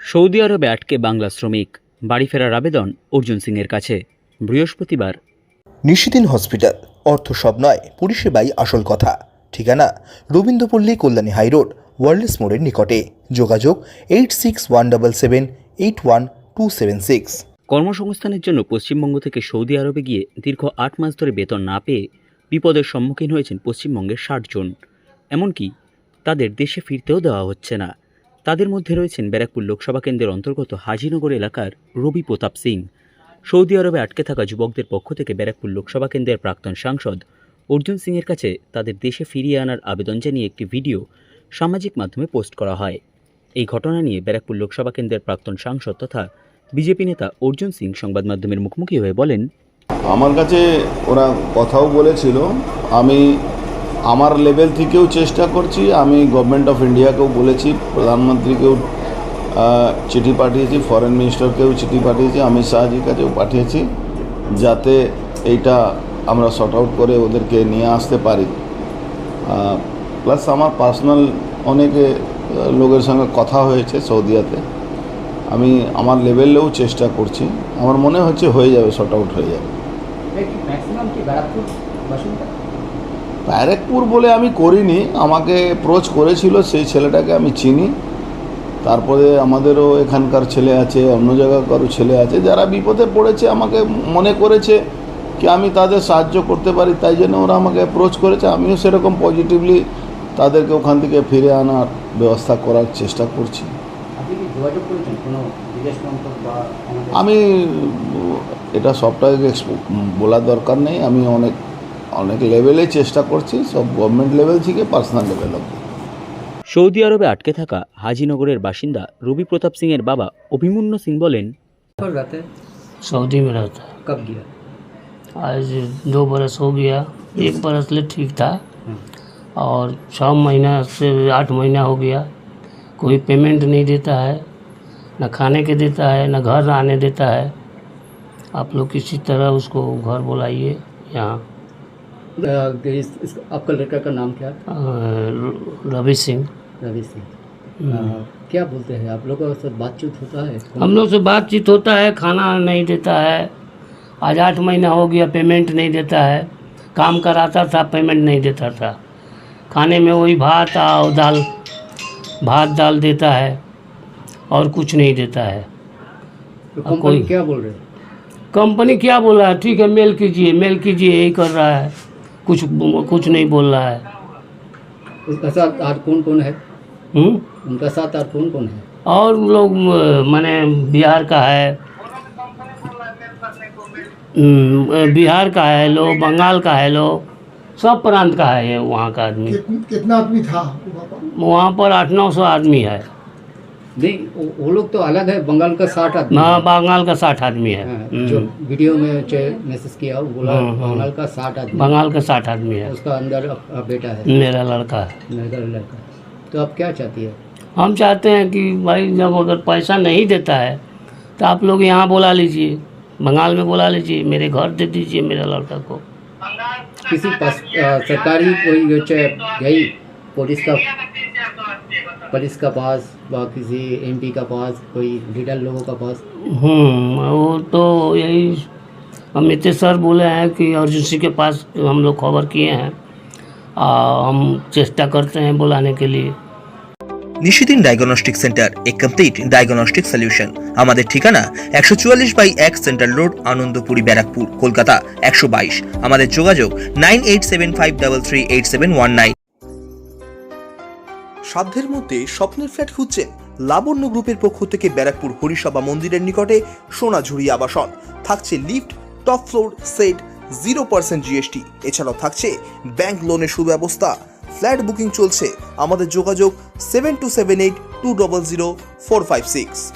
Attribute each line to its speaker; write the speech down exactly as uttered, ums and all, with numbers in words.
Speaker 1: Saudi আরবে আটকে বাংলা শ্রমিক, বাড়ি ফেরার আবেদন অর্জুন সিং এর কাছে বৃহস্পতিবার।
Speaker 2: নিশিদিন হসপিটাল, অর্থ সব নয়, পরিষেবাই আসল কথা। ঠিকানা রবীন্দ্রপল্লী, কল্যাণী হাইরোড, ওয়ার্ল্ডস মোড়ের নিকটে। যোগাযোগ eight six one double seven eight one two seven six.
Speaker 1: কর্মসংস্থানের জন্য পশ্চিমবঙ্গ থেকে সৌদি আরবে গিয়ে দীর্ঘ আট মাস ধরে বেতন না পেয়ে বিপদের সম্মুখীন হয়েছেন পশ্চিমবঙ্গের ষাট জন। এমনকি তাদের দেশে ফিরতেও দেওয়া হচ্ছে না। তাদের মধ্যে রয়েছেন ব্যারাকপুর লোকসভা কেন্দ্রের অন্তর্গত হাজিনগর এলাকার রবি প্রতাপ সিং। সৌদি আরবে আটকে থাকা যুবকদের পক্ষ থেকে ব্যারাকপুর লোকসভা কেন্দ্রের প্রাক্তন সাংসদ অর্জুন সিং এর কাছে তাদের দেশে ফিরিয়ে আনার আবেদন জানিয়ে একটি ভিডিও সামাজিক মাধ্যমে পোস্ট করা হয়। এই ঘটনা নিয়ে ব্যারাকপুর লোকসভা কেন্দ্রের প্রাক্তন সাংসদ তথা বিজেপি নেতা অর্জুন সিং সংবাদ মাধ্যমের মুখোমুখি হয়ে বলেন,
Speaker 3: আমার কাছে ওরা কথাও বলেছিল, আমি আমার লেভেল থেকেও চেষ্টা করছি, আমি গভর্নমেন্ট অফ ইন্ডিয়াকেও বলেছি, প্রধানমন্ত্রীকেও চিঠি পাঠিয়েছি, ফরেন মিনিস্টারকেও চিঠি পাঠিয়েছি, অমিত শাহজির কাছেও পাঠিয়েছি, যাতে এইটা আমরা শর্ট আউট করে ওদেরকে নিয়ে আসতে পারি। প্লাস আমার পার্সোনাল অনেকে লোকের সঙ্গে কথা হয়েছে সৌদিয়াতে, আমি আমার লেভেলেও চেষ্টা করছি, আমার মনে হচ্ছে হয়ে যাবে, শর্ট আউট হয়ে যাবে। ব্যারাকপুর বলে আমি করিনি, আমাকে অ্যাপ্রোচ করেছিল, সেই ছেলেটাকে আমি চিনি। তারপরে আমাদেরও এখানকার ছেলে আছে, অন্য জায়গাকারও ছেলে আছে, যারা বিপদে পড়েছে আমাকে মনে করেছে কি আমি তাদের সাহায্য করতে পারি, তাই জন্য ওরা আমাকে অ্যাপ্রোচ করেছে। আমিও সেরকম পজিটিভলি তাদেরকে ওখান থেকে ফিরে আনার ব্যবস্থা করার চেষ্টা করছি। আমি এটা সবটাকে বলার দরকার নেই, আমি অনেক অনেক লেভেলে চেষ্টা করছি, সব গভর্নমেন্ট লেভেল থেকে পার্সোনাল লেভেল অবধি।
Speaker 1: সৌদি আরবে আটকে থাকা হাজিনগরের বাসিন্দা রবি প্রতাপ সিং এর বাবা অভিমন্য সিং বলেন,
Speaker 4: सऊदी में रहता है।
Speaker 5: कब गया?
Speaker 4: आज दो बरस हो गया, एक बरस ले ठीक था और छः महीना से आठ महीना हो गया, कोई पेमेंट नहीं देता है, न खाने के देता है, न घर आने देता है। आप लोग किसी तरह उसको घर बुलाइए यहाँ।
Speaker 5: इस, इस, आपका लड़का का नाम क्या था?
Speaker 4: रवि सिंह।
Speaker 5: रवि सिंह। क्या बोलते हैं आप लोगों से बातचीत होता है?
Speaker 4: हम लोग से बातचीत होता है, खाना नहीं देता है, आज आठ महीना हो गया पेमेंट नहीं देता है, काम कराता था पेमेंट नहीं देता था, खाने में वही भात और दाल भात दाल देता है और कुछ नहीं देता है।
Speaker 5: तो कंपनी क्या बोल रहे हैं?
Speaker 4: कंपनी क्या बोल रहा है, ठीक है मेल कीजिए मेल कीजिए, यही कर रहा है, कुछ कुछ नहीं बोल रहा है।
Speaker 5: उसका साथ और कौन कौन है?
Speaker 4: हुँ?
Speaker 5: उनका साथ और कौन कौन है?
Speaker 4: और लोग माने बिहार का है, बिहार का है लो, बंगाल का है लो, सब प्रांत का है ये वहाँ का आदमी।
Speaker 6: कितना आदमी था
Speaker 4: वहाँ पर आठ नौ सौ आदमी है।
Speaker 5: नहीं, वो लोग तो अलग है, बंगाल का साठ आदमी।
Speaker 4: हाँ, बंगाल का साठ आदमी है।
Speaker 5: जो वीडियो में मैसेज किया वो बोला बंगाल का साठ आदमी।
Speaker 4: बंगाल का साठ आदमी है।
Speaker 5: उसका अंदर बेटा है,
Speaker 4: मेरा लड़का है।
Speaker 5: मेरा लड़का। तो आप क्या चाहती है?
Speaker 4: हम चाहते हैं कि भाई जब अगर पैसा नहीं देता है तो आप लोग यहाँ बुला लीजिए, बंगाल में बुला लीजिए, मेरे घर दे दीजिए मेरे लड़का को।
Speaker 5: किसी पास सरकारी कोई गई पुलिस का पुलिस का पास व किसी एमपी का पास, कोई लीडर लोगों का पास?
Speaker 4: हम्म वो तो यही अमित सर बोले हैं कि अर्जुन सिंह के पास हम लोग खबर किए हैं, आ, हम चेष्टा करते हैं बुलाने के लिए।
Speaker 2: Nishidin diagnostic centre, a complete diagnostic solution. আমাদের ঠিকানা একশো চুয়াল্লিশ বাই এক সেন্ট্রাল রোড, আনন্দপুরি, ব্যারাকপুর, কলকাতা একশো বাইশ। আমাদের যোগাযোগ nine eight seven five double three eight seven one nine. সাধ্যের মধ্যে স্বপ্নের ফ্ল্যাট খুঁজছেন? লাবণ্য গ্রুপের পক্ষ থেকে ব্যারাকপুর হরিসভা মন্দিরের নিকটে সোনাঝুরি আবাসন। থাকছে lift, top floor, set, zero percent GST, এছাড়াও থাকছে ব্যাংক লোনের সুব্যবস্থা। ফ্ল্যাট বুকিং চলছে। আমাদের যোগাযোগ seven two seven eight two double zero four five six.